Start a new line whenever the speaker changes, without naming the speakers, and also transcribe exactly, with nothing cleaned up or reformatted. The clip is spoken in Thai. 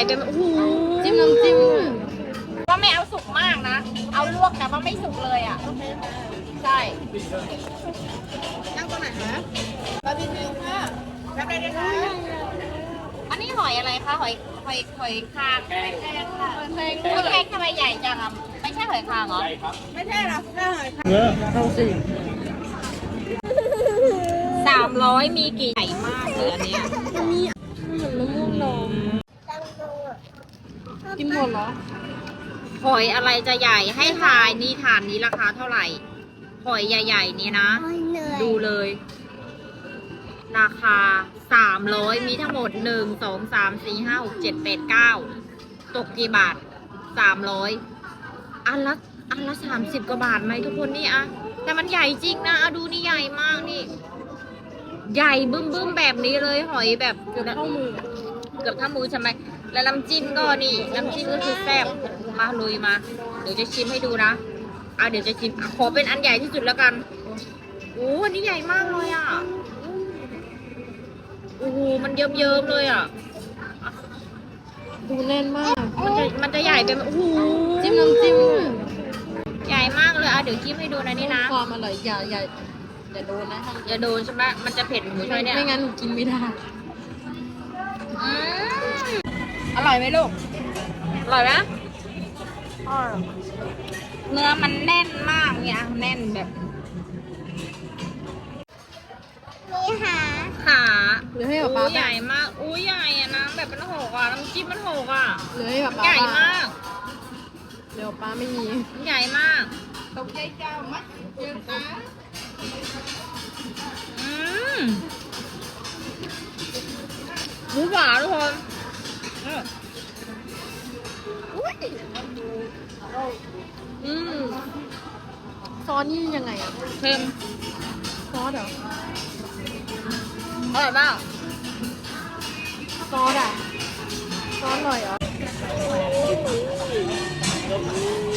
ไปโอ้โห
จิ้มน้ำจิ้ม
ว่าไม่เอาสุกมากนะ เอาลวกแต่ว่าไม่สุกเลยอ่ะใช่
นั่งตรงไหนคะบาร์บีคิวค่ะ
แบบไหนนะคะอันนี้หอยอะไรคะหอยหอยหอยคางหอยแครงค่ะหอยแครงหอยแครงทำไมใหญ่จังอ่ะไม่ใช่หอยคางเหรอ
ไม่ใช่หรอกน่าหอยค่ะ
เอาสิสามร้อยมีกี่ใหญ่มากเลยอันเนี้ย
มีเหมือนมะม่วงดองกินหมดเหรอ
หอยอะไรจะใหญ่ให้ทายนี่ฐานนี้ราคาเท่าไหร่หอยใหญ่ๆนี้นะ ดูเลย ราคาสามร้อยมีทั้งหมดหนึ่งสองสามสี่ห้าหกเจ็ดแปดเก้าตกกี่บาทสามร้อยอันละอันละสามสิบกว่าบาทไหมทุกคนนี่อะแต่มันใหญ่จริงนะอะดูนี่ใหญ่มากนี่ ใหญ่บึ้มบึ้มแบบนี้เลยหอยแบบ
เกือบเท่ามือ
เกือบเท่ามือใช่ไหมแล้วน้ำจิ้มก็นี่น้ำจิ้มก็คือแซ่บมาลุยมา เดี๋ยวจะชิมให้ดูนะอ่ะเดี๋ยวจะชิมอ่ะขอเป็นอันใหญ่ที่สุดแล้วกันโอ้อันนี้ใหญ่มากเลยอ่ะโอ้โหมันเยิ้มๆเลยอ่ะ
ดูแน่นมาก
มันจะมันจะใหญ่เป็นโอ้โห
จิ้มน้ำจิ้ม
ใหญ่มากเลยอ่ะเดี๋ยวจิ้มให้ดูนะนี่นะ
ความอร่อยอย่าอย่าอย่าโดนนะ
อย่าโดนใช่ไหมมันจะเผ็ดหมูใช่ไหมเนี่ย
ไม่งั้นหนูกินไม่ได้
อืมอร่อยไหมลูกอร่อยไหมเนื้อมันแน่นมากเนี่ยแน่นแบบ
นี่ค่ะ
ขา
หรือให้ป๊า
อู้
ป๊า
ใหญ่มากอู้ใหญ่อะนะแบบมันหกอ่ะน้ำจิ้มมันหกอ่ะ
หรือให้ป๊าป๊า
ใหญ่มาก
เดี๋ยวป๊าไม่มี
ใหญ่มาก
ตกใจเจ้ามัดเจ้าป๊า
อืมหมูหวานทุกคนเออ
อืมซอสนี่ยังไงอะ
เค็ม
ซอสเหรอ
อร่อยมาก
ซอสอะซอสอร่อยเหรอ